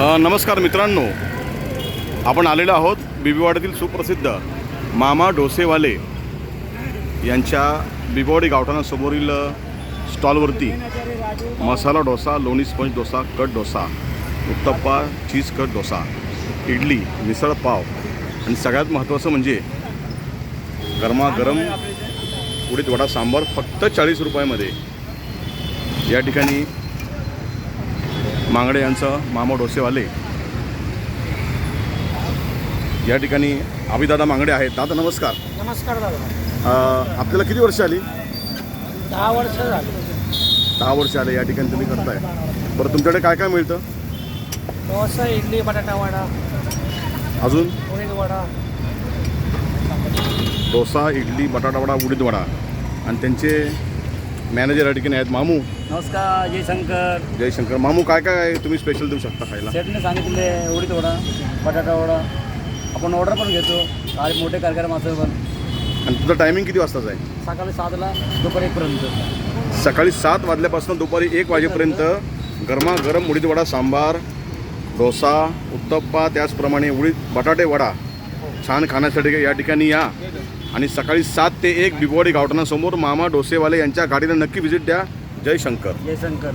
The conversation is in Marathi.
नमस्कार मित्रांनो, आपण आलेलो आहोत बिबीवाडीतील सुप्रसिद्ध मामा डोसेवाले यांच्या बिबीवाडी गावठाणासमोरील स्टॉलवरती मसाला डोसा, लोणी sponge dosa, cut dosa, uttappa, cheese cut dosa, idli, misal pav आणि सगळ्यात महत्त्वाचं म्हणजे गरमागरम उडीद वडा सांबार फक्त 40 रुपयामध्ये या ठिकाणी मांगडे यांचं मामा डोसेवाले या ठिकाणी अभिदादा मांगडे आहेत. दादा नमस्कार. नमस्कार दादा. आपल्याला किती वर्ष आली? 10 वर्ष झाली. 10 वर्ष आले या ठिकाणी तुम्ही करताय. बरं, तुमच्याकडे काय काय मिळतं? डोसा, इडली, बटाटा वडा, अजून उडीद वडा. डोसा, इडली, बटाटा वडा, उडीद वडा. आणि त्यांचे मॅनेजर या ठिकाणी आहेत मामू. नमस्कार. जयशंकर. जयशंकर. मामू, काय काय तुम्ही स्पेशल देऊ शकता खायला? सेटने सांगितले उडीद वडा, बटाटा वडा. आपण ऑर्डर पण घेतो आणि मोठे कार्यक्रम असं पण. आणि तुझं टायमिंग किती वाजताच आहे? सकाळी 7ला दुपारी 1पर्यंत. सकाळी 7 वाजल्यापासून दुपारी 1 वाजेपर्यंत गरमागरम उडीद वडा सांबार, डोसा, उत्तप्पा, त्याचप्रमाणे उडीद बटाटे वडा छान खाण्यासाठी या ठिकाणी या. आणि सकाळी 7 ते 1 बिबीवाडी गावठाणासमोर मामा डोसेवाले यांच्या गाडीला नक्की व्हिजिट द्या. जयशंकर. जयशंकर.